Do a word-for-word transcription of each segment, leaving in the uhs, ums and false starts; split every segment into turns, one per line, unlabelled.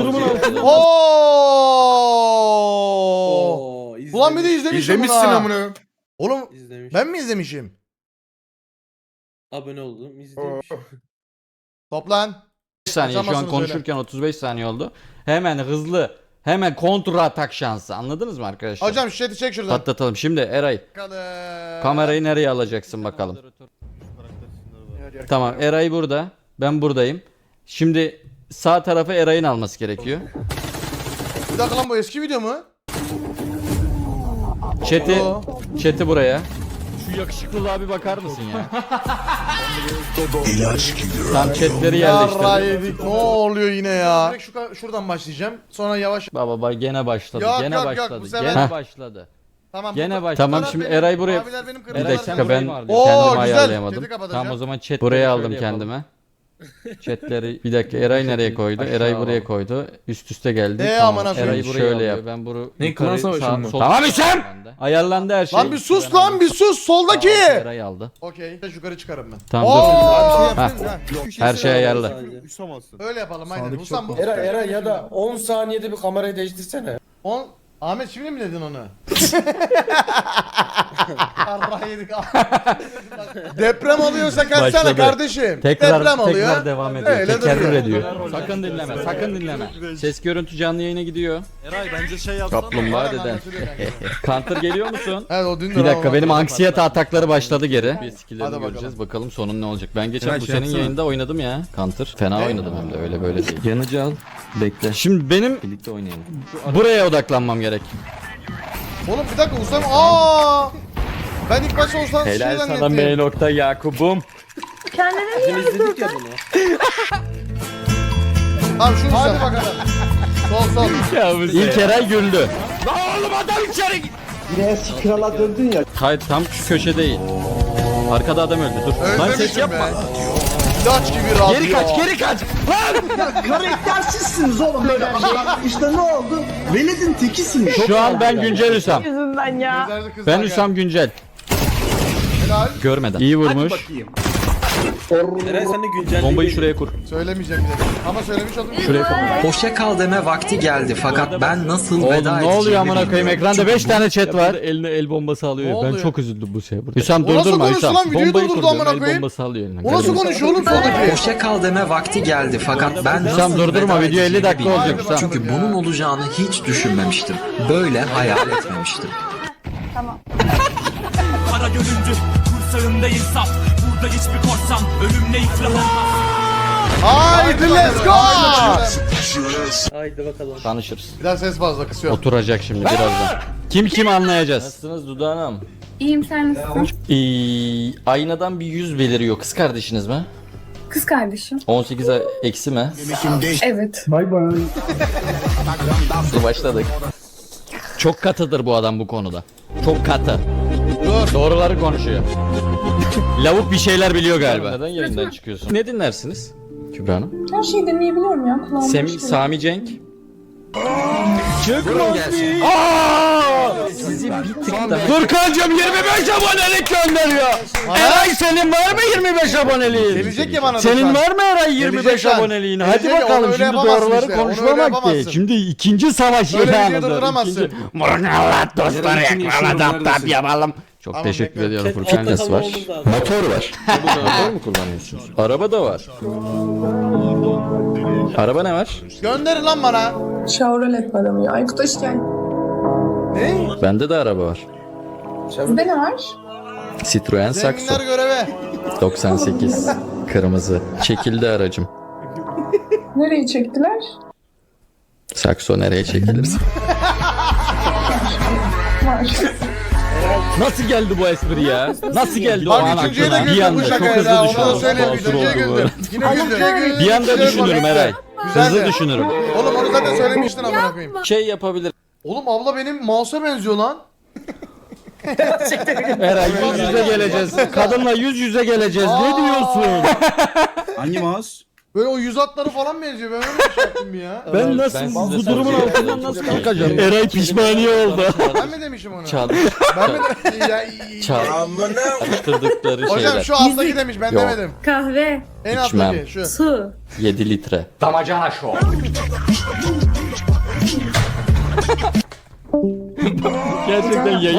durumun altında.
Oo.
Ulan bir de izlemişim
İzlemişsin
bunu ha.
amına.
Oğlum
İzlemiş.
ben mi izlemişim?
Abone oldum. İzlemiş.
Toplan.
beş saniye şu an
Kaçamazsınız
konuşurken otuz beş saniye oldu. Hemen hızlı. Hemen kontra atak şansı. Anladınız mı arkadaşlar?
Hocam şu chat'i çek şuradan.
Patlatalım. Şimdi Eray
Bakalım.
kamerayı nereye alacaksın bakalım. Tamam Eray burada. Ben buradayım. Şimdi sağ tarafı Eray'ın alması gerekiyor.
Bir dakika lan bu eski video mu?
Chat'i
Oo.
chat'i buraya. Şu yakışıklılığa bir bakar mısın ya? Tam chatleri yerleştirdim.
Yarra yedik. Ne oluyor yine ya? Direkt şu, şuradan başlayacağım. Sonra yavaş.
Baba bak gene başladı.
Yok,
gene
yok, yok,
başladı.
bu sefer-
Gene başladı.
Tamam.
Gene
bu-
başladı.
bu
Tamam
taraf
şimdi
benim,
Eray buraya.
maviler benim,
Bir
kırmızılar
dakika
senin.
ben
Oo,
kendimi
güzel.
ayarlayamadım.
Chat'i kapatacağım.
Tamam o zaman chat buraya aldım kendime. Chatleri bir dakika Eray nereye koydu? Eray buraya koydu. Üst üste geldi.
Ee,
Tamam.
amına
Eray'ı
koyayım.
şöyle yap. Ben bunu
Ne,
yukarı,
klan savaşı
sağ-
mı?
sol-
Tamam
İsem! Ayarlandı her şey.
Lan bir sus
Ben
lan
aldım.
bir sus soldaki.
Tamam, Eray aldı.
Okey. Yukarı çıkarım ben.
Tamam
Oo!
dur.
Ha.
Her şey ayarlı.
Öyle yapalım aynen. Usam bu.
Era Era ya da on saniyede bir kamerayı değiştirsene.
On... Ahmet şimdi mi dedin onu? Yarra yedik. Deprem oluyorsa kaçsana
Başladı.
kardeşim.
Tekrar
Deprem oluyor.
tekrar devam ediyor.
Öyle
Tekerrür
duruyor.
ediyor. Sakın dinleme. Sakın dinleme. Ses görüntü canlı yayına gidiyor.
Eray bence şey yapsana.
Kaplumbağa deden. Counter geliyor musun?
Evet o dün
Bir dakika benim anksiyete atakları başladı geri. Bir
Hadi
skill'lerini
bakalım.
göreceğiz. Bakalım sonun ne olacak. Ben geçen
Eray,
bu
şey
senin
yapsana.
yayında oynadım ya. Counter. Fena
Ne?
oynadım hem de öyle böyle değil. Yanıcı al. Bekle. Şimdi benim birlikte oynayalım. Buraya odaklanmam gerek.
Oğlum bir dakika Usam. Aa! Ben ilk başta Usam şey
Helal sana M
zannettim.
nokta Yakub'um.
Bizim izledik ya bunu.
Tamam şunu Hadi bakalım. Sol sol.
İlk Eray güldü. Lan oğlum adam içeri git.
Yine eski krala döndün ya.
Hayır tam şu köşe değil. Arkada adam öldü. Dur. Lan ses
Özlemişim
yapma.
be. İlaç gibi radyo.
Geri kaç, geri kaç.
Karaktersizsiniz oğlum böyle. İşte ne oldu? Veled'in tekisiniz.
Şu an ben güncel Hüsam.
Yüzünden ya.
Gözlerde kızlar
Ben
geldi.
Hüsam güncel.
Helal.
Görmeden. İyi vurmuş.
Eray sen de güncelleyi
Bombayı şuraya kur.
Söylemeyeceğim bir dakika. Ama söylemiş oldum.
Şuraya kur.
Hoşça kal deme vakti geldi fakat ben nasıl
Oğlum
veda
ne oluyor
edeceğimi
amına koyayım
bilmiyorum.
ekranda beş tane chat var. Eline el bombası alıyor.
Ne
Ben
oluyor?
çok üzüldüm bu şeye burada. Hüsam
O nasıl
durdurma
konuştu
Hüsam.
lan? Videoyu
Bombayı
durdurdu
kur diyorum,
amına
el
koyayım.
bombası alıyor eline.
O nasıl konuşuyor oğlum soldaki?
Hoşça kal deme vakti geldi fakat ben
Hüsam
nasıl
durdurma,
veda
video elli
edeceğimi
dakika
bilmiyorum.
olacak Hüsam.
Çünkü bunun olacağını hiç düşünmemiştim. Böyle hayal etmemiştim.
Kara göründü. Kursağında insaf. Burada hiçbir korsan. Ölümle iflah olmaz.
Haydi let's go.
Haydi bakalım.
Tanışırız.
Biraz ses fazla kısıyorum.
Oturacak şimdi birazdan. Kim kim anlayacağız. Nasılsınız Dudu Hanım?
İyiyim, sen nasılsın?
Ee, aynadan bir yüz beliriyor. Kız kardeşiniz mi?
Kız kardeşim.
on sekiz eksi mi?
Evet.
Dur başladık. Çok katıdır bu adam bu konuda. Çok katı.
Dur.
Doğruları konuşuyor. Lavuk bir şeyler biliyor galiba. Neden yayından çıkıyorsun? Ne dinlersiniz Kübra Hanım?
Her şeyi deneyebiliyorum ya. Kulağım
Sem
hoş geliyor.
Sami Cenk. Çıkmaz Aaa! Sizi bir tık da... Furkancığım yirmi beş abonelik gönderiyor. Eray senin var mı yirmi beş aboneliğin?
Gelecek ya bana da
Senin
sen.
var mı Eray yirmi beş
Gelecek lan.
aboneliğin? Hadi
Gelecek ya, onu
bakalım
öyle
şimdi
yapamazsın
doğruları
işte, onu öyle
konuşmamak değil.
yapamazsın.
Şimdi ikinci savaş
Öyle video
ilanıdır.
durduramazsın.
Mırnalat dostları yakala tap tap yapalım. Çok
Tamam,
teşekkür
bekle.
ediyorum
Chat
Furkan
altta
nasıl var?
kalmamız lazım.
Motor var. Motor mu kullanıyorsunuz? Araba da var. Araba ne var?
Gönderin lan bana.
Chevrolet var ama ya. Aykut hoş geldin.
Ne?
Bende de araba var.
Sizde ne var?
Citroen Saxo
Zenginler göreve.
doksan sekiz kırmızı. Çekildi aracım.
Nereye çektiler?
Saxo nereye çekilir?
Var.
Nasıl geldi bu espri ya? Nasıl geldi o
Bak
an
üçüncüye de
aklına? Bir
güldüm bu
anda çok
şakaya
hızlı
da. Onu da
düşündüm.
söyleyeyim.
Basur
Üçüncüye
oldu bu
güldüm.
arada.
Yine üçüncüye güldüm.
Bir anda düşünürüm Eray. Hızlı
Güzel de.
düşünürüm.
Oğlum onu zaten söylemiştin amına koyayım.
Şey yapabilir.
Oğlum abla benim mouse'a benziyor lan.
Eray yüz yüze geleceğiz. Kadınla yüz yüze geleceğiz. Ne
Aa!
diyorsun?
Hangi mouse?
Böyle o yüz hatları falan benziyor. Ben öyle bir şey yaptım bir ya.
Ben nasıl bu durumun altından nasıl kalkacağım? Eray pişmaniye oldu.
Ben mi demişim onu?
Çal.
Ben mi de... Ya, iyi.
Çal. Attırdıkları
Hocam
şeyler.
şu alttaki demiş ben
Yok.
demedim.
Kahve,
En
İçmem.
alttaki şu.
su.
yedi litre. Damacana show. Gerçekten yayın.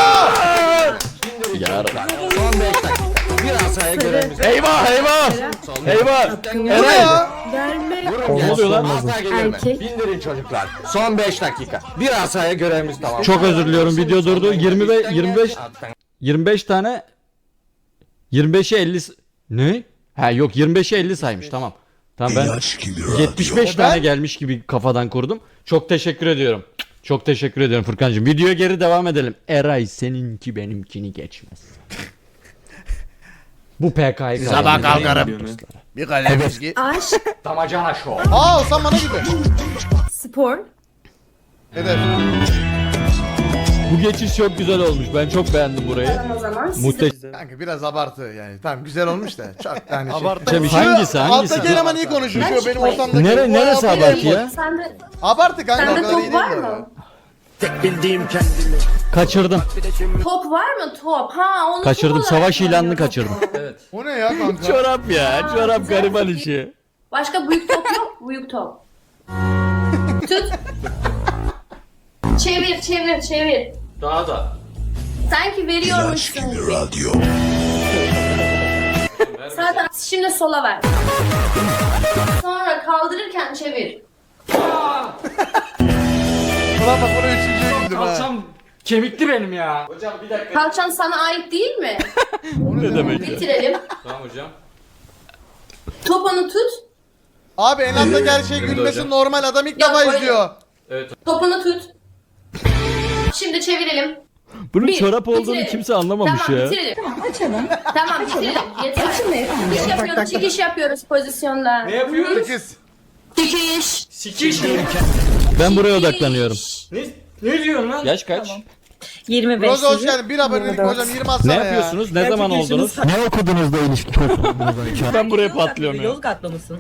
Yarın.
Son beş dakika. Bir asaya görevimiz.
Eyvah eyvah. Eyvah.
Bu ne
Eray.
ya?
Ne oluyor lan?
Asa gelirme. Bindirin çocuklar. Son beş dakika. Bir asaya görevimiz tamam.
Çok özür diliyorum, video durdu. yirmi ve yirmi beş yirmi beş tane yirmi beşe elli s- ne? Ha yok, yirmi beşe elli saymış, tamam. Tamam, ben yetmiş beş tane gelmiş gibi kafadan kurdum. Çok teşekkür ediyorum. Çok teşekkür ediyorum Furkancığım. Videoya geri devam edelim. Eray seninki benimkini geçmez. Bu P K'yı
Sabah kalkarım. Bir kalem viski.
Aşk,
Damacana show.
Aa Osman bana gibi.
spor,
Hedef.
Bu geçiş çok güzel olmuş. Ben çok beğendim burayı.
O zaman siz
Muhteşem.
Kanka biraz abartı yani. Tamam güzel olmuş da. Çok yani şey.
Hangisi hangisi?
Alttaki eleman iyi konuşuyor. Şu benim ortamdaki.
Nere,
O
neresi
yapıyor
abartı
ya.
ya?
Sende,
Abartı kanka o
sende
kadar iyi
top
değil
var
bu
mı?
arada.
Kaçırdım.
Top var mı top? Ha onu
Kaçırdım.
top olarak
Savaş ilanını
kullanıyorum.
kaçırdım.
O ne ya kanka?
Çorap ya. Çorap gariban işi.
Başka büyük top yok. Büyük top. Tut. Çevir çevir çevir.
Daha da.
Sanki veriyormuşsun gibi. Zaten şimdi sola ver. Sonra kaldırırken çevir.
Ulan bak bunu üçüncüye güldüm ha.
Kalçam kemikli benim ya.
Kalçan sana ait değil mi?
Ne demek ya?
Bitirelim.
Tamam hocam.
Topunu tut.
Abi en alttaki her şey gülmesi normal, adam ilk
Yok,
defa
öyle.
izliyor.
Topunu tut. Şimdi çevirelim.
Bunun
Bir,
çorap olduğunu
bitirelim.
kimse anlamamış
Tamam
ya.
bitirelim. Tamam açalım. Tamam bitirelim. Yeter. Çıkış yapıyoruz, çıkış yapıyoruz pozisyonda. Ne yapıyoruz?
Kız.
Çıkış.
Ben buraya odaklanıyorum. Ne, ne diyorsun lan? Yaş kaç?
yirmi beş.
Roza hoş geldin. Bir abonelik hocam yirmi atsana
Ne
ya.
yapıyorsunuz? Ne zaman oldunuz?
Ne okudunuz da ilişki çok
Ben buraya patlıyorum ya.
Yozgatlı mısın?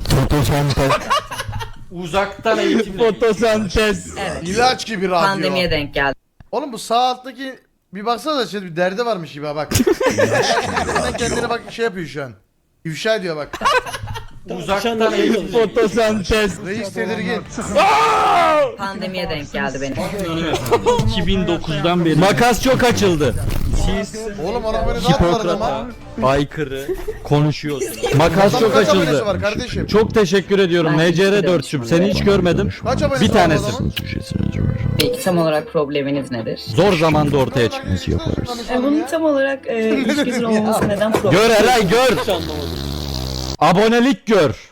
Uzaktan eğitim. Fotosentez.
Evet.
İlaç gibi radyo.
Pandemiye denk geldi.
Oğlum bu sağ alttaki bir baksana da şey bir derdi varmış gibi ha bak. Kendine kendine bak şey yapıyor şu an. İfşa ediyor bak.
Uzaktan eğitim. Fotosentez.
Reis tedirgin.
Pandemiye denk geldi benim.
iki bin dokuzdan beri. Makas çok açıldı.
Oğlum ona böyle ne yaptılar ama?
Aykırı konuşuyorsunuz. Makas çok
Kaç abonesi
açıldı.
var kardeşim?
Çok teşekkür ediyorum.
Ben
N C R
teşekkür
dört'cüm. Seni hiç görmedim.
Kaç abonesi
Bir
var
tanesi.
adamın?
Peki tam olarak probleminiz nedir?
Zor zamanda ortaya çıkması yaparız.
E, bunun tam olarak e, ilişkisinin olmaması neden problem?
Gör Eray gör. Abonelik gör.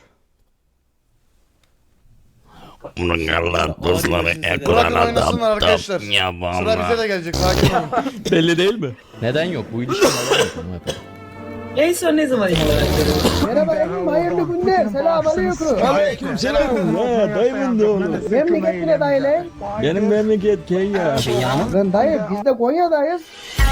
Bunun Allah dostları
Bırakın
ekrana
oynasınlar
da
arkadaşlar.
tap ya
Sıra bize de gelecek sakin olun.
Belli değil mi? Neden yok? Bu ilişki neden
En son ne zaman ilk olarak görüyorsunuz?
Merhaba efendim, hayırlı günler. Selamünaleyküm.
Aleyküm selam. Ha, dayımın da oğlu.
Memleket ne dayı lan?
Benim memleket Kenya.
Lan dayı biz de Konya'dayız.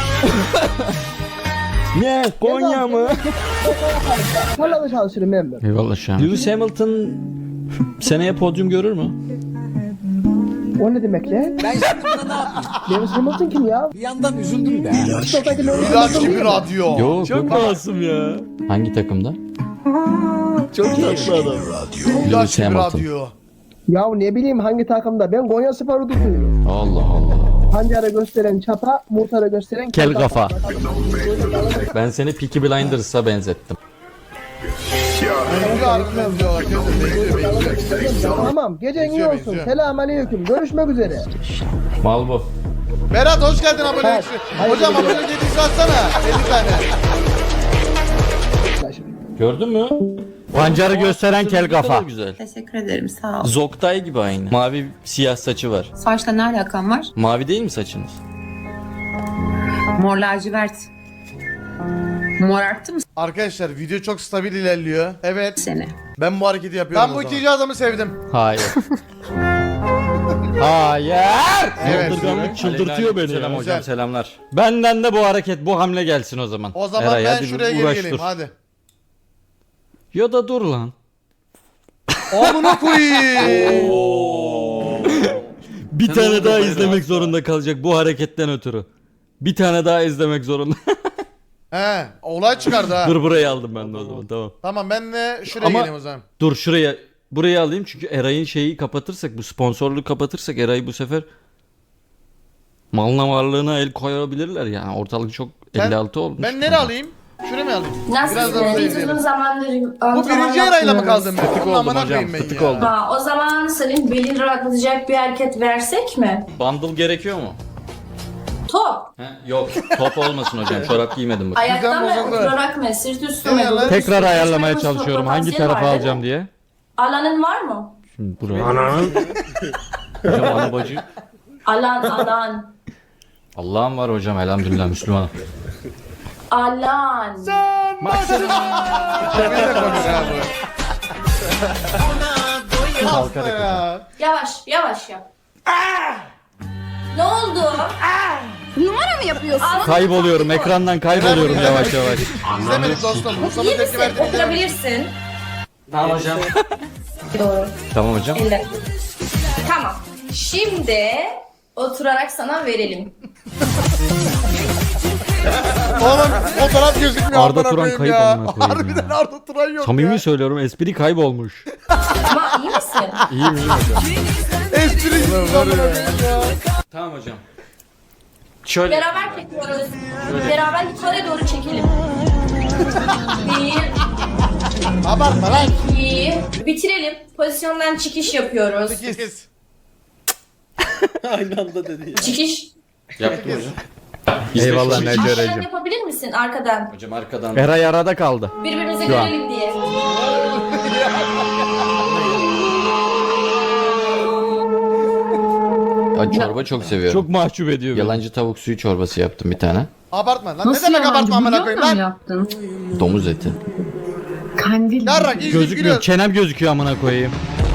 Ne? Konya mı?
Tarlada çalışırım ben de.
Eyvallah Şam. Lewis Hamilton seneye podyum görür mü?
O ne demek lan? Ben yaptığımda ne yapayım? Lewis Hamilton kim ya? Bir yandan üzüldüm de.
İlaç gibi radyo.
Yok çok masum ya. Hangi takımda? Çok tatlı adam.
İlaç gibi
Hamilton.
radyo.
Ya ne bileyim hangi takımda? Ben Konya Spor'u tutuyorum.
Allah Allah.
Pancarı gösteren çapa, muhtarı gösteren
Kel kafa. Ben seni Peaky Blinders'a benzettim.
Benziyor harbiden benziyorlar. Benziyor benziyor.
Tamam, gecen iyi
Benziyor,
olsun.
benziyor.
Selamünaleyküm. Görüşmek üzere.
Mal bu.
Berat hoş geldin abonelik.
Hayır,
Hocam
hayır.
abonelik yedisi atsana. elli tane.
Gördün mü? Pancarı gösteren kel kafa.
Güzel.
Teşekkür ederim sağ ol.
Zoktay gibi aynı.
Mavi siyah saçı var.
Saçla ne alakan var?
Mavi değil mi saçınız?
Mor lacivert. Mor arttı mı
Arkadaşlar video çok stabil ilerliyor. Evet.
seni?
Ben bu hareketi yapıyorum. Ben bu ikinci adamı sevdim.
Hayır. Hayır.
Evet.
Saldırganlık çıldırtıyor beni. Selam
Güzel.
hocam selamlar. Benden de bu hareket bu hamle gelsin o zaman.
O zaman
Eray,
ben
hadi
şuraya
bir
geri
uğraş
geleyim
dur.
hadi.
Ya da dur lan.
Amına koyayım.
Bir tane daha izlemek zorunda kalacak bu hareketten ötürü. Bir tane daha izlemek zorunda.
He, olay çıkardı ha.
Dur burayı aldım ben de o zaman tamam.
Tamam ben de şuraya
Ama-
geleyim o zaman.
Dur şuraya burayı alayım çünkü Eray'ın şeyi kapatırsak bu sponsorluğu kapatırsak Eray bu sefer Malına varlığına el koyabilirler yani. Ortalık çok
Ben-
elli altı olmuş.
Ben nereye alayım? Şuraya mı alayım?
Nasıl?
Biraz da
Biz
orada
uzun
izleyelim.
zamandır
Bu
antrenman
birinci arayla mı
yapmıyoruz.
kaldım ben?
Fıtık
Bunun
oldum
amına
hocam,
koyayım ben
fıtık
ya.
oldum.
Ha, o zaman senin belin rahatlatacak bir hareket versek mi?
Bundle gerekiyor mu?
Top.
He? Yok. Top olmasın hocam. Çorap giymedim bak.
Ayakta mı?
bozuldu.
Oturarak mı? Sırt üstü mü?
Ne lan?
Göğüs
Tekrar
üstü,
ayarlamaya
üstü,
çalışıyorum.
potansiyeli
Hangi tarafa
var, değil
alacağım
mi?
diye.
Alanın var mı?
Şimdi buraya. Hocam ana bacı.
Alan, alan.
Allah'ım var hocam, elhamdülillah Müslüman.
Alan.
Cemil de konuş abi. Hasta ya.
Yavaş, yavaş yap. Ne oldu? Numara mı yapıyorsun?
Kayboluyorum, ekrandan kayboluyorum yavaş yavaş.
İzlemedik dostum. Mustafa
İyi
tepki
misin?
verdi. izlemedik.
Oturabilirsin.
Tamam hocam.
Doğru.
Tamam hocam.
Elle. Tamam. Şimdi oturarak sana verelim.
Oğlum fotoğraf gözükmüyor.
Arda
amına
Turan
koyayım
kayıp
ya.
amına koyayım
Harbiden
ya.
Arda Turan yok
Samimi
ya.
söylüyorum, espri kaybolmuş.
Ama iyi misin?
İyiyim iyiyim hocam.
Espri amına koyayım ya.
Tamam hocam. Şöyle.
Beraber çekiyoruz. Beraber yukarı doğru çekelim. Bir,
Abartma lan.
iki. Bitirelim. Pozisyondan çıkış yapıyoruz.
Sekiz.
Aynı anda dedi ya.
Çıkış.
Yaptım hocam.
Eyvallah
İzle-
Necer
Arkadan
Ecem.
yapabilir misin arkadan?
Hocam arkadan. Eray arada kaldı.
Birbirimizi
Şu an.
görelim diye.
Ya çorba çok seviyorum.
Çok mahcup ediyor beni.
Yalancı tavuk suyu çorbası yaptım bir tane.
Abartma lan. Ne
Nasıl
demek
yalancı?
abartma amına
Bulyonla
koyayım
mı
lan?
yaptın?
Domuz eti.
Kandil.
Yarrak izleyip
Gözükmüyor.
gülüyor.
Çenem gözüküyor amına koyayım.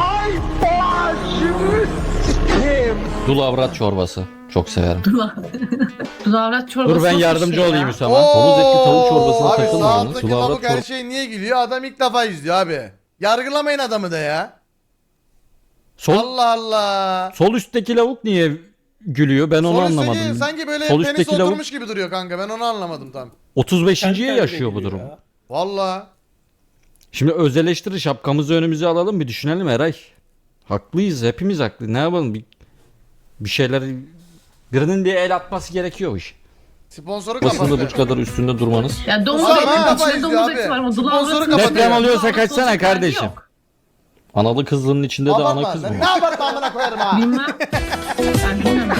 Dul avrat çorbası. Çok severim.
Dudavrat çorbası.
Dur ben
nasıl bir
yardımcı
şey ya?
olayım Hüsama.
Oo,
Domuz etli tavuk çorbasına
abi,
takılma
sağ
onu.
alttaki
Sulavrat
lavuk her
çor-
şey niye gülüyor? Adam ilk defa izliyor abi. Yargılamayın adamı da ya.
Sol,
Allah Allah.
sol üstteki lavuk niye gülüyor? Ben onu
Sol üstteki
anlamadım.
sanki böyle
Sol
penis
üstteki lavuk-
oturmuş gibi duruyor kanka. Ben onu anlamadım tam.
otuz beşinciye
Kendi
yaşıyor bu
kendine
durum.
gülüyor ya.
Valla.
Şimdi öz eleştiri şapkamızı önümüze alalım, bir düşünelim Eray. Haklıyız, hepimiz haklı. Ne yapalım? Bir, bir şeyler, birinin bir el atması gerekiyor bu iş.
Sponsoru
Basında
kapattı.
bu kadar üstünde durmanız.
Ya domuz
Ulan
eti,
ha, kafa
içinde
izliyor
domuz
abi.
eti var ama
Sponsoru
dudavrat
kapatıyor.
Deprem oluyorsa
Dudavrat
kaçsana
olacak
kardeşim.
hali yok.
Analı kızlının içinde de ana
Abartma.
kız
lan.
mı?
Ne abartma amına koyarım ha.
Bilmem. Ben bilmem.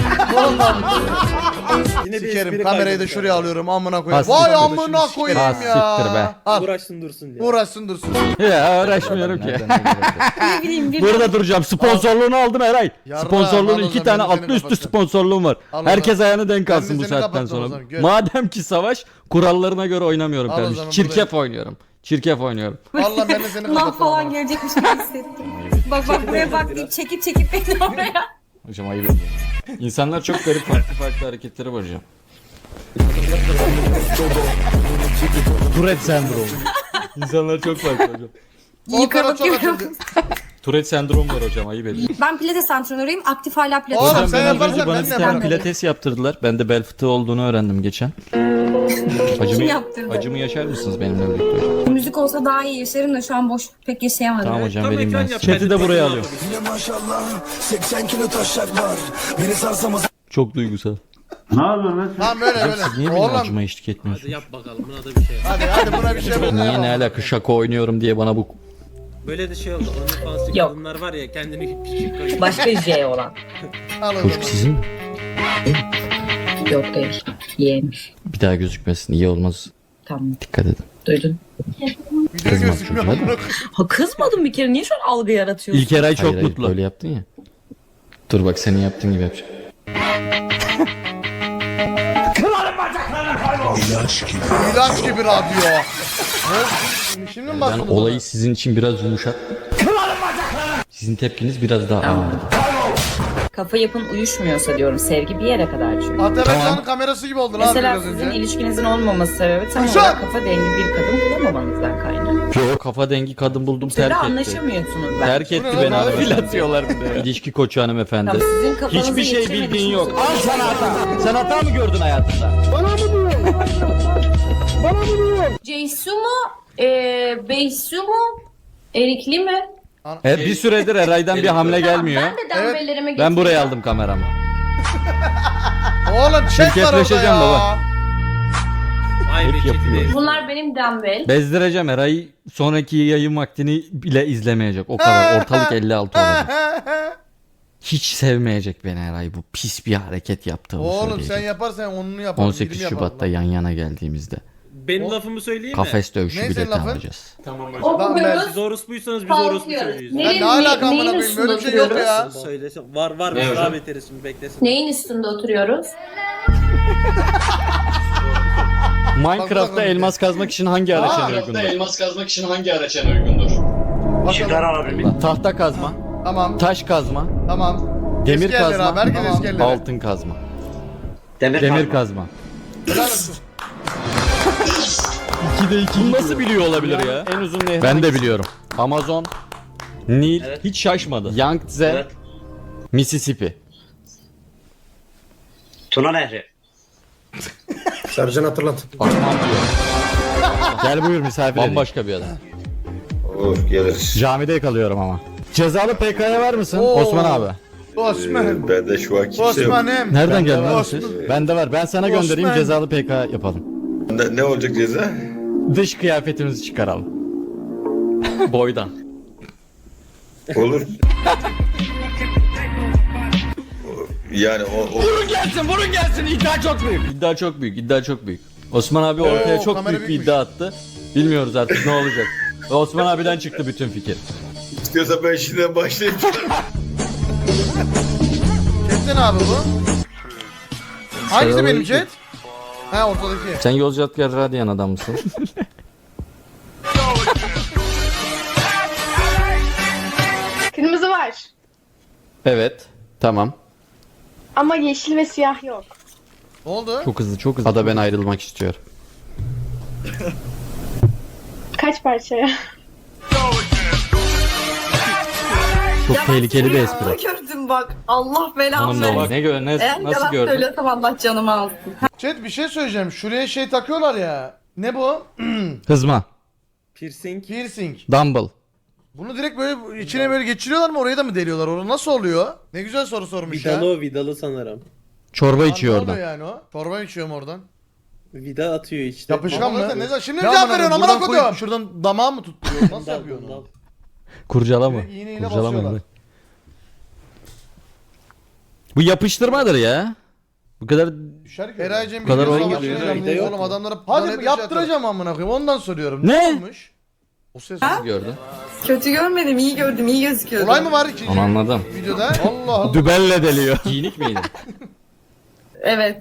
Yine bir
Sikerim
espri
kamerayı da
kaydetmiş
şuraya
abi.
alıyorum amına koyarım.
Ha,
Vay
siktir.
amına koyayım
Ha,
ya.
siktir be.
Al.
Uğraşsın dursun diye.
Uğraşsın dursun.
Ya uğraşmıyorum ki.
Nereden ne
bileyim bir
Burada duracağım. Sponsorluğunu aldım Eray.
Yarra,
Sponsorluğun
al o
iki
zaman,
tane
ben de seni
altlı üstü
kapatacağım.
sponsorluğum var.
Al o
Herkes
zaman.
ayağını denk
Ben de
alsın bu
seni
saatten
kapattım o
sonra.
zaman, gör.
Madem ki savaş, kurallarına göre oynamıyorum
Al o
kardeşim.
zaman,
Çirkef oynuyorum. Çirkef oynuyorum.
Valla ben de seni
Sınav
kapattım.
falan
amına.
gelecekmiş gibi hissettim. Bak bak buraya bak deyip çekip çekip beni oraya.
Hocam ayıp ediyorum. İnsanlar çok garip farklı farklı hareketleri var hocam. Tourette sendromu. İnsanlar çok farklı hocam.
Fotoğraf çok açıldı.
Tourette sendromu var hocam, ayıp ediyorum.
Ben pilates antrenörüyüm. Aktif hala pilates.
Oğlum
Hocam
sen
ben az
yaparsan
önce bana
ben de
bir tane
yaparım.
pilates yaptırdılar. Ben de bel fıtığı olduğunu öğrendim geçen. Acımı,
yaptırdı?
acımı yaşar mısınız benimle birlikte hocam?
Müzik olsa daha iyi yaşarım da şu an boş pek yaşayamadım.
Tamam hocam,
Tam
vereyim ben
ekran
size.
yap,
Chat'i de
hadi.
buraya alıyorum. Çok duygusal.
Tamam böyle
Hocam
böyle.
siz niye benim
Oğlum.
acıma eşlik
Hadi
etmiyorsunuz?
yap bakalım buna da bir şey.
Hadi hadi buna bir şey bul.
Niye ne alaka şaka oynuyorum diye bana bu...
Böyle de şey oldu. OnlyFans'taki
Yok.
kadınlar var ya kendini küçük koyuyor.
Başka J olan.
Al o zaman.
Çocuk sizin mi?
Yok değil. Yeğenmiş.
Bir daha gözükmesin, iyi olmaz.
Tamam.
Dikkat edin.
Duydun.
Video
Kızmaz
gözükmüyor
çocuğa.
amına koyayım.
Ha kızmadım bir kere. Niye şu an algı yaratıyorsun?
İlker Ay çok
Hayır, hayır,
mutlu.
böyle yaptın ya. Dur bak senin yaptığın gibi yapacağım.
İlaç gibi radyo. Ha? Şimdi mi
Ben
başladın?
olayı sizin için biraz yumuşat. Sizin tepkiniz biraz daha ağırdı.
Kafa yapın uyuşmuyorsa diyorum. Sevgi bir yere kadar çünkü.
Ataberk'in kamerası gibi oldu lan
Mesela
biraz
sizin
önce.
ilişkinizin olmaması sebebi tam
Kuşat!
olarak kafa dengi bir kadın bulamamanızdan kaynaklı.
Yo, kafa dengi kadın buldum,
Siz de
terk etti.
anlaşamıyorsunuz ben.
Terk
Bu
etti
ne
beni
lan?
hanımefendi.
Atıyorlar
bir de. İlişki koçu hanımefendi.
Tamam, sizin kafanızı
Hiçbir şey
yetiremediğiniz
bildiğin yok.
için-
Al sana hata. Sen hata mı gördün hayatında?
Ceysu mu? Ee, Beysu mu? Erikli mi?
E, bir süredir Eray'dan bir hamle gelmiyor.
Ben de
Evet,
dembellerimi
Ben buraya aldım kameramı.
Oğlum chat var orada
Şirketleşeceğim
ya.
baba.
Ay be
Hep yapıyor.
Çetin.
Bunlar benim dumbbell.
Bezdireceğim Eray'ı, sonraki yayın vaktini bile izlemeyecek. O kadar ortalık elli altı olacak. Hiç sevmeyecek beni Eray, bu pis bir hareket yaptığımı
Oğlum
söyleyecek.
sen yaparsan onunu yaparım.
on sekiz
yirmi yaparım
Şubat'ta
lan.
yan yana geldiğimizde
Benim
O-
lafımı söyleyeyim mi?
kafes dövüşü
Ne senin
bileti
lafın?
alacağız.
Okuyoruz.
Siz orospuysanız biz orospu
Kalkıyoruz.
söylüyoruz.
Ya
Neyin,
ne alaka
neyin
amına koyayım,
üstünde
böyle bir şey yok
oturuyoruz?
ya.
Söylesem. Var var.
Ne
Biz
hocam?
daha beteriz şimdi beklesin.
Neyin üstünde oturuyoruz?
Minecraft'ta
bakalım.
elmas kazmak için hangi araç en uygundur?
elmas kazmak için hangi araç en uygundur?
Bakalım.
Tahta kazma,
Tamam
taş kazma,
tamam.
demir
Eski yerlere
kazma,
abi, herkes eski yerlere.
altın kazma.
Demir,
Demir kazma.
Helal olsun.
ikide iki. Bunu nasıl biliyor olabilir ya? En uzun nehir. Ben de biliyorum. Amazon, Nil, hiç şaşmadı. Yangtze,
Evet.
Mississippi.
Tuna Nehri.
Sercan hatırlat.
Osman diyor. Gel buyur misafir Bambaşka bir adam.
Olur geliriz.
Camide kalıyorum ama. Cezalı P K'ya var mısın?
Oo.
Osman abi.
Osman.
Ee, bende şu an kimse yok.
Osman'ım.
Nereden geldin
var.
abi siz? Bende var. Ben sana göndereyim,
Osman.
cezalı P K yapalım.
Ne, ne olacak ceza?
Dış kıyafetimizi çıkaralım. Boydan.
Olur. Yani o, o
Vurun gelsin, vurun gelsin. İddia çok büyük. İddia çok büyük, iddia çok büyük. Osman abi ortaya
Oo,
çok
kamera
büyük bir
büyükmüş.
iddia attı. Bilmiyoruz artık ne olacak. Ve Osman abiden çıktı bütün fikir.
istiyorsa ben şimdiden başlayayım.
Chat'te ne abi bu? Hangisi benim chat? Ha ortadaki.
Sen Yozgatgar Radyan adam mısın?
Kırmızı var.
Evet. Tamam.
Ama yeşil ve siyah yok.
Ne oldu?
Çok hızlı, çok hızlı. Ada ben ayrılmak istiyorum.
Kaç parçaya?
Çok tehlikeli bir espri.
Gördüm bak. Allah belamı
Hanım da var. Ne gör, ne, nasıl gördün?
söylüyorsam Allah canımı alsın.
Chat bir şey söyleyeceğim. Şuraya şey takıyorlar ya. Ne bu?
Hızma.
Piercing.
Piercing.
Dumble.
Bunu direkt böyle içine böyle geçiriyorlar mı, oraya da mı deliyorlar? Orada nasıl oluyor? Ne güzel soru sormuş ya.
Vidalı o vidalı sanırım.
Çorba
Lan
içiyor
ne
orada.
oluyor yani o? Çorba içiyorum oradan.
Vida atıyor işte.
Yapışkan mı? Ne, zaman- Şimdi mi
Ne
cevap
amına
veriyorsun
koyayım,
amına
buradan
koyayım? Şuradan damağı mı tutturuyor? Nasıl
Bundan,
yapıyorsun
bundan.
onu?
Kurcalama.
Direkt iğneyle
Kurcalama.
basıyorlar.
Emre. Bu yapıştırmadır ya. Bu kadar
Eraycem
Bu kadar
bir
oyun
savaş
geliyor.
veriyorum.
Vida yok
Oğlum
mu?
adamlara hadi yaptıracağım amına koyayım. Ondan soruyorum.
Ne?
olmuş? O ses.
gördün.
Kötü görmedim, iyi gördüm, iyi gözüküyordu.
Olay mı var ikinci
Onu anladım.
videoda? Allah Allah.
Dübelle deliyor. Giyinik miydi?
Evet.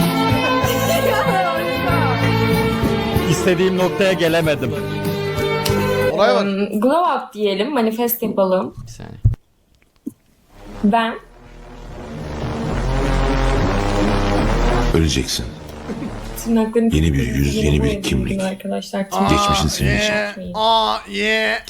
İstediğim noktaya gelemedim.
Olay var.
Um, glow up diyelim, manifest yapalım.
Bir saniye.
Ben
Öleceksin.
tırnaklarını
Yeni bir yüz, yeni bir kimlik.
arkadaşlar.
Geçmişin silinecek.
Yeah. Aa yeah.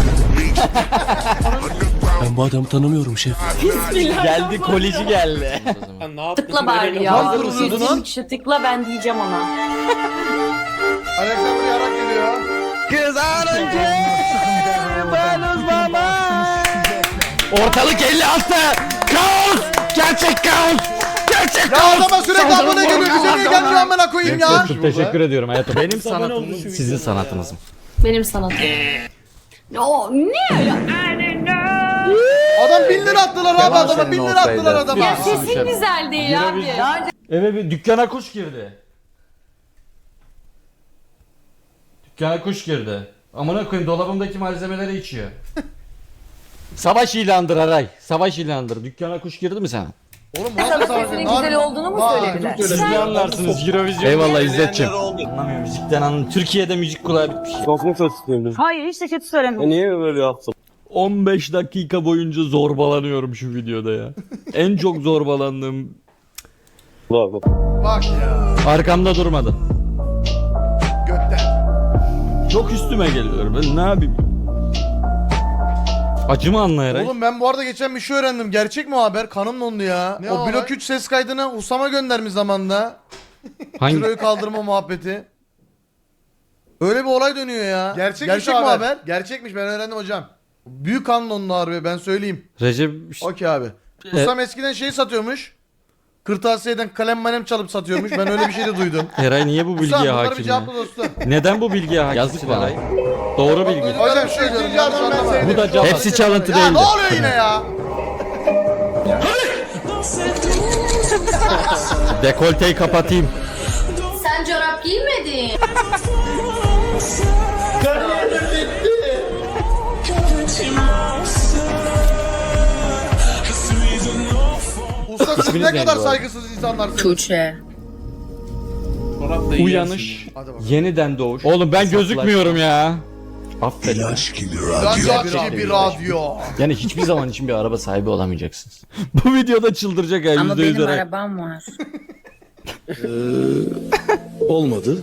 Ben bu adamı tanımıyorum şef.
Geldi kolici geldi.
Ha, ne yaptın?
Tıkla bari ya.
Nasıl vuruyordun lan?
yüz kişi tıkla, ben diyeceğim ona.
Alexander yarak geliyor.
Kız arınca ben uzmama. Ortalık elli altı. Kaos. Gerçek kaos. Gerçek
Ya
kaos.
adama sürekli abone geliyor. Bize niye gelmiyor amına koyayım ya?
Çok teşekkür ediyorum hayatım. Benim
Abone oldu
sanatım
şu
sizin
videoda
sanatınız mı?
Benim sanatım. O ne ya?
Adam bin lira attılar abi, adama bin lira attılar adama.
Ya sesin güzel değil abi.
Eve bir dükkana kuş girdi. Dükkana kuş girdi. Amına koyayım, dolabımdaki malzemeleri içiyor. Savaş ilandır Aray. Savaş ilandır. Dükkana kuş girdi mi sana?
Oğlum bu nasıl savaş?
güzel olduğunu mu söylediler?
Siz ne anlarsınız Eurovision? Eyvallah İzzet'ciğim. Anlamıyorum müzikten anlamıyorum. Türkiye'de müzik kulağı bitmiş.
Hayır, hiç de kötü söylemedim.
Niye böyle yaptın?
on beş dakika boyunca zorbalanıyorum şu videoda ya. En çok zorbalandığım.
Bak ya.
Arkamda durmadı.
Götten.
Çok üstüme geliyor. Ben ne yapayım? Acımı anlayarak.
Oğlum ben bu arada geçen bir şey öğrendim. Gerçek mi o haber? Kanım dondu ya.
Ne
o
o
blok
olay?
üç ses kaydını Usama göndermiş zamanda.
Hangi?
Kiloyu kaldırma muhabbeti. Öyle bir olay dönüyor ya. Gerçekmiş
Gerçek
mi
mi
haber? Gerçekmiş, ben öğrendim hocam. Büyük kan dondu harbi, ben söyleyeyim.
Recep
Okey abi.
E-
Usam eskiden şey satıyormuş. kırtasiyeden kalem malem çalıp satıyormuş. Ben öyle bir şey de duydum.
Eray niye bu
Usam
bilgiye
bunları bir
hakim ya?
cevapla dostum.
Neden bu bilgiye hakimsin Eray? Doğru bilgi.
Hocam şu ikinci adam ben sevdim.
Bu da cevap. Hepsi çalıntı
Ya
değildi.
ne oluyor yine ya?
Dekolteyi kapatayım.
Sen çorap giymedin.
Usta siz
İsminiz
ne
neydi
kadar
bu arada?
saygısız insanlarsınız.
Tuğçe.
Uyanış, yeniden doğuş. Oğlum ben gözükmüyorum ya. Affedin.
Yaş gibi bir radyo.
Yani hiçbir zaman için bir araba sahibi olamayacaksınız. Bu videoda çıldıracak ya
Ama
yüzde yüz
benim
Eray.
arabam var.
Olmadı.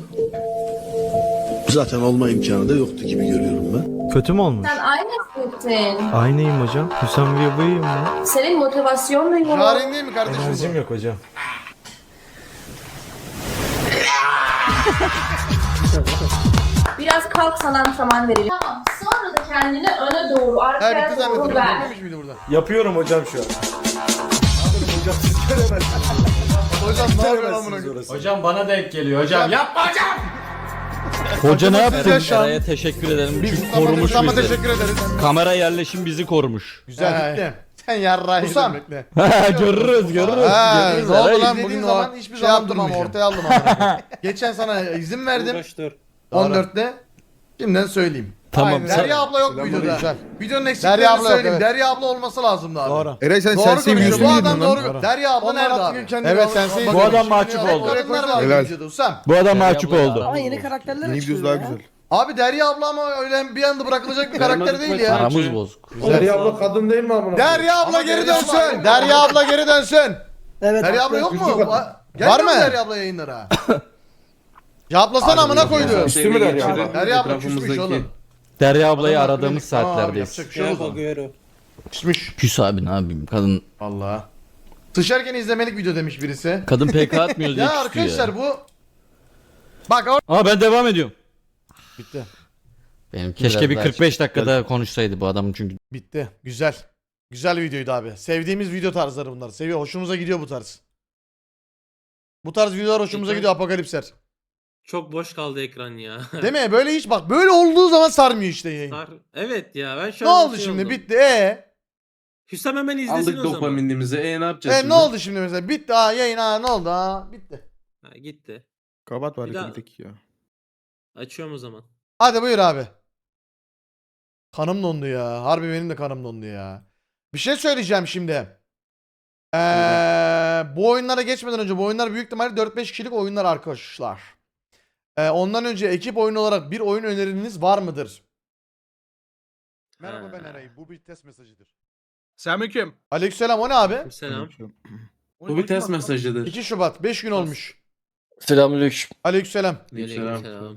Zaten olma imkanı da yoktu gibi görüyorum ben.
Kötü mü olmuş?
Sen aynısın.
Aynıyım hocam. Hüsam ve buyum ben.
Senin motivasyonla yok.
Jaren değil mi kardeşim bu?
yok hocam.
Biraz kalk sana antrenman verelim. Tamam. Sonra da kendini öne doğru,
He
arkaya
bitti
doğru
zannettim.
ver.
Bitmemiş miydi burada?
Yapıyorum hocam şu an.
Hocam ne yapıyorsun amına koyayım?
Hocam bana denk geliyor hocam. Yapma hocam. Hoca ne
Hocam
yaptın?
size şu an-
Eray'a teşekkür ederim.
Biz
Çünkü korumuş
Ustam'a
bizi.
teşekkür ederiz.
Kamera yerleşim bizi korumuş.
Güzel bitti. Sen yarrağı Usam. Bekle.
görürüz görürüz.
Ha,
görürüz.
ne oldu
Eray,
lan
izlediğin
bugün
zaman
o
hiçbir
şey
zaman
yaptım ama
durmayacağım.
ortaya aldım ama. Geçen sana izin verdim.
Uğraş dur.
on dörtte. Şimdiden söyleyeyim.
Tamam,
Aynen.
sen-
Derya abla yok videoda.
Güzel.
Videonun eksiklerini
Derya abla yok,
söyleyeyim.
evet.
Derya abla olması lazımdı abi. Doğru.
Eray sen
Doğru konuşuyor. Bu adam doğru. Derya abla nerede abi?
Evet, sensin.
Bu adam mahcup
Bakın,
oldu.
kadınlar var
Helal.
videoda Usam.
Bu adam mahcup ablayı oldu.
Ama yeni karakterler
Yeni videosu daha güzel.
Abi Derya abla ama öyle bir anda bırakılacak bir karakter değil ya.
Aramız bozuk.
Derya abla kadın değil mi amına?
Derya abla geri dönsün. Derya abla geri dönsün.
Evet.
Derya abla yok mu?
Yusuf-
Va- Var mı Derya abla yayınlara? Cevaplasana amına koydu.
Küstü mü Derya abla?
Derya abla küsmüş oğlum.
Derya ablayı
Adam
aradığımız
haklı. Tamam abi,
saatlerdeyiz.
yapacak bir şey yok o zaman. Küsmüş.
Küs abi ne yapayım kadın
Allah. Sıçarken izlemelik video demiş birisi.
kadın P K atmıyor diye
Ya
küstü
arkadaşlar
ya.
bu... Bak or-
Aa ben devam ediyorum.
Bitti.
Benim keşke bir kırk beş dakika daha konuşsaydı bu adamın çünkü.
Bitti. Güzel. Güzel videoydu abi. Sevdiğimiz video tarzları bunlar. Seviyor. Hoşumuza gidiyor bu tarz. Bu tarz videolar hoşumuza gidiyor apokalipsler.
Çok boş kaldı ekran ya.
Değil mi? Böyle hiç bak böyle olduğu zaman sarmıyor işte yayın.
Sar- Evet ya ben şu
Ne
an
oldu
şey
şimdi?
oldum.
Bitti. E
Hüsam hemen izlesin o zaman.
e ne yapacağız
e ne oldu şimdi mesela? Bitti. Ha yayın ha ne oldu ha? Bitti.
Ha, gitti.
Kapat
Bir daha-
ya.
Açıyorum o zaman.
Hadi buyur abi. Kanım dondu ya. Harbi benim de kanım dondu ya. Bir şey söyleyeceğim şimdi. Ee, bu oyunlara geçmeden önce bu oyunlar büyük ihtimalle dört beş kişilik oyunlar arkadaşlar. Ee, ondan önce ekip oyunu olarak bir oyun öneriniz var mıdır? Merhaba
Ha.
ben Eray. Bu bir test mesajıdır.
Selamünaleyküm.
Aleykümselam o ne abi?
Selam.
Bu bir test mesajıdır.
iki Şubat beş gün olmuş.
Selamünaleyküm.
Aleykümselam.
Aleykümselam.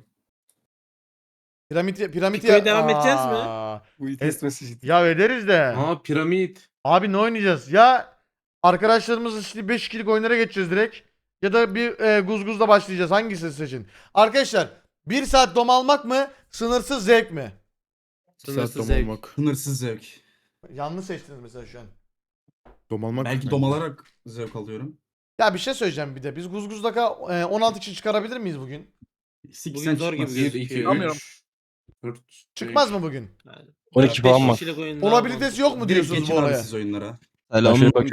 Piramit piramit
Piko'ya devam edeceğiz mi?
Aa,
Bu bir test mesajıdır.
Ya ederiz de.
Aa piramit.
Abi ne oynayacağız? Ya arkadaşlarımızla işte beş kişilik oyunlara geçeceğiz direkt. Ya da bir e, guzguzla başlayacağız. Hangisini seçin? Arkadaşlar bir saat dom almak mı? Sınırsız zevk mi?
Sınırsız zevk.
Sınırsız zevk.
Yanlış seçtiniz mesela şu an.
Dom almak.
Belki dom alarak zevk alıyorum.
Ya bir şey söyleyeceğim bir de. Biz guzguzdaka e, on altı kişi çıkarabilir miyiz bugün?
Bugün zor gibi gözüküyor.
Çıkmaz mı bugün?
Yani
on iki
beş
puan var.
kişilik oyunlar
Olabilitesi yok mu
Direkt
diyorsunuz bu
geçin abi
olaya?
siz oyunlara.
Selam.